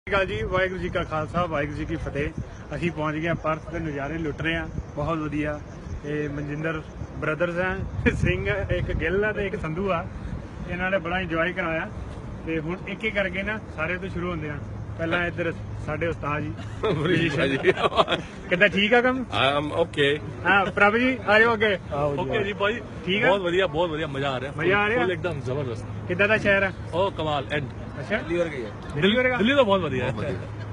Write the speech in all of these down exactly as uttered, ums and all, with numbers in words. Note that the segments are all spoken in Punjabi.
जी वाहिगुरू जी का खालसा वाहिगुरू जी की फतेह। असीं पहुंच गए परथ के नज़ारे लुट रहे हैं बहुत वधिया। ये मनजिंदर ब्रदर्स हैं सिंह एक गिल है तो एक संधू आ। इन्होंने बड़ा इंजॉय कराया तो हुण एक एक करके ना सारे तो शुरू होंगे हैं। पहला इधर साडे उस्ताद जी कितना ठीक है कम ओके हाँ प्रभु जी आ जाओ अगे। ओके जी भाई ठीक है बहुत बढ़िया बहुत बढ़िया मजा आ रहा है मजा आ रहा है एकदम जबरदस्त कितना दा शहर है ओ कमाल एंड अच्छा दिल्ली वर्गी है दिल्ली वर्गा दिल्ली तो बहुत बढ़िया है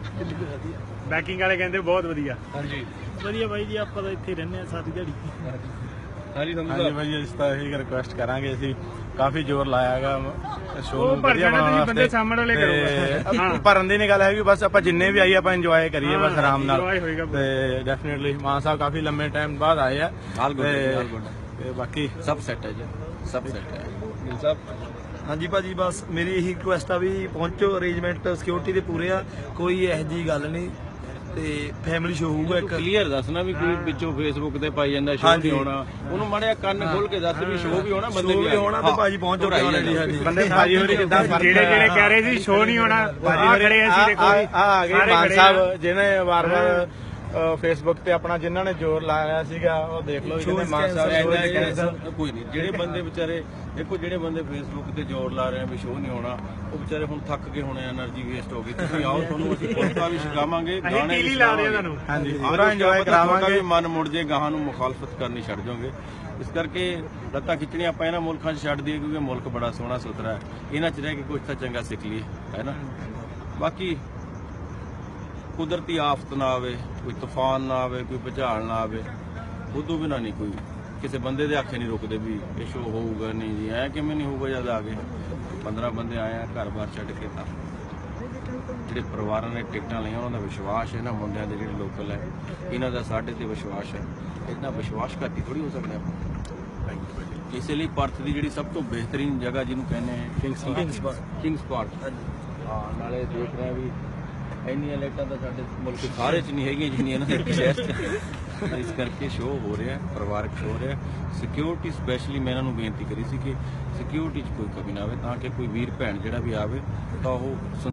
बैकिंग वाले कहते बहुत वधिया हाँ जी ਵਧੀਆ ਬਾਈ ਜੀ ਆਪਾਂ ਤਾਂ ਇੱਥੇ ਹੀ ਰਹਿੰਦੇ ਆ ਸਾਰੀ ਦਿਹਾੜੀ हाँ जी ਹਾਂਜੀ ਭਾਈ ਇਸ ਤਾਂ ਇਹੀ ਰਿਕੁਐਸਟ ਕਰਾਂਗੇ ਅਸੀਂ ਕਾਫੀ ਜ਼ੋਰ ਲਾਇਆਗਾ ਸ਼ੋਅ ਉਹ ਨੂੰ ਭਰ ਵਧੀਆ ਜਾਣਾ ਬਣਾਉਣ ਤੁਸੀਂ ਬੰਦੇ ਵਾਸਤੇ ਸਾਹਮਣੇ ਵਾਲੇ ਕਰੋਗੇ ਹਾਂ ਭਰਨ ਦੀ ਨਹੀਂ ਗੱਲ ਹੈਗੀ ਬਸ ਆਪਾਂ ਜਿੰਨੇ ਵੀ ਆਈਏ ਆਪਾਂ ਇੰਜੋਏ ਕਰੀਏ ਬਸ ਆਰਾਮ ਨਾਲ enjoy ਹੋਏਗਾ ਪੂਰਾ। ਤੇ ਡੈਫੀਨਿਟਲੀ ਮਾਨ ਸਾਹਿਬ ਕਾਫੀ ਲੰਮੇ ਟਾਈਮ ਬਾਅਦ ਆਏ ਆ All good, ਤੇ- all good. ਤੇ ਬਾਕੀ सब सेट है जी सब सेट है मिल साहब ਹਾਂਜੀ ਭਾਜੀ ਬਸ ਮੇਰੀ ਇਹੀ ਰਿਕੁਐਸਟ ਆ ਵੀ ਪਹੁੰਚੋ ਅਰੇਂਜਮੈਂਟ ਸਿਕਿਉਰਿਟੀ ਦੇ ਪੂਰੇ ਆ ਕੋਈ ਇਹੋ ਜਿਹੀ ਗੱਲ ਨਹੀਂ ਤੇ ਫੈਮਿਲੀ ਸ਼ੋ ਹੋਊਗਾ ਇੱਕ ਕਲੀਅਰ ਦੱਸਣਾ ਵੀ ਕੋਈ ਵਿੱਚੋਂ ਫੇਸਬੁੱਕ ਤੇ ਪਾਈ ਜਾਂਦਾ ਸ਼ੋਅ ਹਾਂਜੀ। ਵੀ ਹੋਣਾ ਉਹਨੂੰ ਮਾੜਿਆ ਕੰਨ ਖੋਲ ਕੇ ਦੱਸ ਵੀ ਸ਼ੋਅ ਵੀ ਹੋਣਾ ਬੰਦੇ ਸ਼ੋਅ ਵੀ ਵੀ ਹੋਣਾ ਤੇ ਭਾਜੀ ਪਹੁੰਚੋ ਘਬਰਾਈ ਕਿਉਂ ਨਹੀਂ ਜਾਂਦਾ। ਹਾਂਜੀ ਬੰਦੇ ਭਾਜੀ ਹੋਰੀ ਕਿੱਦਾਂ ਜਿਹੜੇ ਜਿਹੜੇ ਕਹਿ ਰਹੇ ਸੀ ਸ਼ੋਅ ਨਹੀਂ ਹੋਣਾ ਭਾਜੀ ਆ ਹੋਰੀ ਖੜੇ ਅਸੀਂ ਦੇਖੋ ਆ ਆ ਗਏ ਸਾਰੇ ਮਾਨ ਖੜੇ ਆ। ਸਾਹਿਬ ਜਿਹਨੇ ਵਾਰ-ਵਾਰ ਫੇਸਬੁੱਕ ਤੇ ਆਪਣਾ ਜਿਨ੍ਹਾਂ ਨੇ ਜ਼ੋਰ ਲਾਇਆ ਸੀਗਾ ਉਹ ਦੇਖ ਲਓ ਜਿਹਨੇ ਮਾਨ ਸਾਹਿਬ ਐਨਾ ਸ਼ੋਅ ਇਹ ਦੇ ਸਭ ਕੋਈ ਨਹੀਂ ਜਿਹੜੇ ਬੰਦੇ ਵਿਚਾਰੇ ਦੇਖੋ ਜਿਹੜੇ ਬੰਦੇ ਫੇਸਬੁੱਕ ਤੇ ਜ਼ੋਰ ਲਾ ਰਹੇ ਆ ਵੀ ਸ਼ੋਅ ਨਹੀਂ ਹੋਣਾ ਉਹ ਵਿਚਾਰੇ ਹੁਣ ਥੱਕ ਗਏ ਹੋਣੇ એનર્ਜੀ ਵੇਸਟ ਹੋ ਗਈ ਤੁਸੀਂ ਆਓ ਤੁਹਾਨੂੰ ਅਸੀਂ ਪੁਰਸਕਾਰ ਵੀ ਛਕਾਵਾਂਗੇ ਅਸੀਂ ਗਾਣੇ ਟੀਲੀ ਵੀ ਲਾ ਰਹੇ ਆ ਸੁਣਾਵਾਂਗੇ। ਤੁਹਾਨੂੰ ਹਾਂਜੀ ਆਹ ਪੂਰਾ ਇੰਜੋਏ ਤੁਹਾਡਾ ਕਰਾਵਾਂਗੇ ਵੀ ਮਨ ਮੁੜ ਜੇ ਗਾਹਾਂ ਨੂੰ ਮੁਖਾਲਫਤ ਕਰਨੀ ਛੱਡ ਜਾਓਗੇ ਇਸ ਕਰਕੇ ਲੱਤਾਂ ਖਿੱਚਣੀਆਂ ਆਪਾਂ ਇਹਨਾਂ ਮੁਲਕਾਂ 'ਚ ਛੱਡ ਦਈਏ ਕਿਉਂਕਿ ਮੁਲਕ ਬੜਾ ਸੋਹਣਾ ਸੁਥਰਾ ਹੈ ਇਹਨਾਂ 'ਚ ਰਹਿ ਕੇ ਕੁਝ ਤਾਂ ਚੰਗਾ ਸਿੱਖ ਲਈਏ ਹੈ ਨਾ ਬਾਕੀ ਕੁਦਰਤੀ ਆਫਤ ਨਾ ਆਵੇ ਕੋਈ ਤੂਫਾਨ ਨਾ ਆਵੇ ਕੋਈ ਭੁਚਾਲ ਨਾ ਆਵੇ ਉਦੋਂ ਬਿਨਾਂ ਨਹੀਂ ਕੋਈ ਕਿਸੇ ਬੰਦੇ ਦੇ ਆਖੇ ਨਹੀਂ ਰੁਕਦੇ ਵੀ ਇਹ ਸ਼ੋਅ ਹੋਊਗਾ ਨਹੀਂ ਜੀ ਐ ਕਿਵੇਂ ਨਹੀਂ ਹੋਊਗਾ ਜਦ ਆ ਗਏ ਪੰਦਰਾਂ ਬੰਦੇ ਆਏ ਆ ਘਰ-ਬਾਰ ਛੱਡ ਕੇ ਤਾਂ ਜਿਹੜੇ ਪਰਿਵਾਰਾਂ ਨੇ ਟਿਕਟਾਂ ਲਈਆਂ ਉਹਨਾਂ ਦਾ ਵਿਸ਼ਵਾਸ ਹੈ ਨਾ ਮੁੰਡਿਆਂ ਦੇ ਜਿਹੜੇ ਲੋਕਲ ਹੈ ਇਹਨਾਂ ਦਾ ਸਾਡੇ ਤੇ ਵਿਸ਼ਵਾਸ ਹੈ ਇਤਨਾ ਵਿਸ਼ਵਾਸ ਘਾਟੀ ਥੋੜੀ ਹੋ ਸਕਦਾ ਆਪਾਂ ਇਸੇ ਲਈ ਪਰਥ ਦੀ ਜਿਹੜੀ ਸਭ ਤੋਂ ਬਿਹਤਰੀਨ ਜਗ੍ਹਾ ਜਿਹਨੂੰ ਕਹਿੰਦੇ ਆ ਕਿੰਗਸ ਕਿੰਗਸ ਪਾਰਕ ਹਾਂ ਨਾਲੇ ਦੇਖ ਰਹੇ ਵੀ ਇੰਨੀਆਂ ਲਾਈਟਾਂ ਤਾਂ ਸਾਡੇ ਮੁਲਕ ਸਾਰੇ 'ਚ ਨਹੀਂ ਹੈਗੀਆਂ ਜਿੰਨੀਆਂ ਇਹਨਾਂ ਦੇ ਸ਼ਹਿਰ 'ਚ ਇਸ ਕਰਕੇ ਸ਼ੋਅ ਹੋ ਰਿਹਾ ਪਰਿਵਾਰਕ ਸ਼ੋਅ ਹੋ ਰਿਹਾ ਸਿਕਿਉਰਿਟੀ ਸਪੈਸ਼ਲੀ ਮੈਂ ਇਹਨਾਂ ਨੂੰ ਬੇਨਤੀ ਕਰੀ ਸੀ ਕਿ ਸਿਕਿਉਰਿਟੀ 'ਚ ਕੋਈ ਕਮੀ ਨਾ ਆਵੇ ਤਾਂ ਕਿ ਕੋਈ ਵੀਰ ਭੈਣ ਜਿਹੜਾ ਵੀ ਆਵੇ ਤਾਂ ਉਹ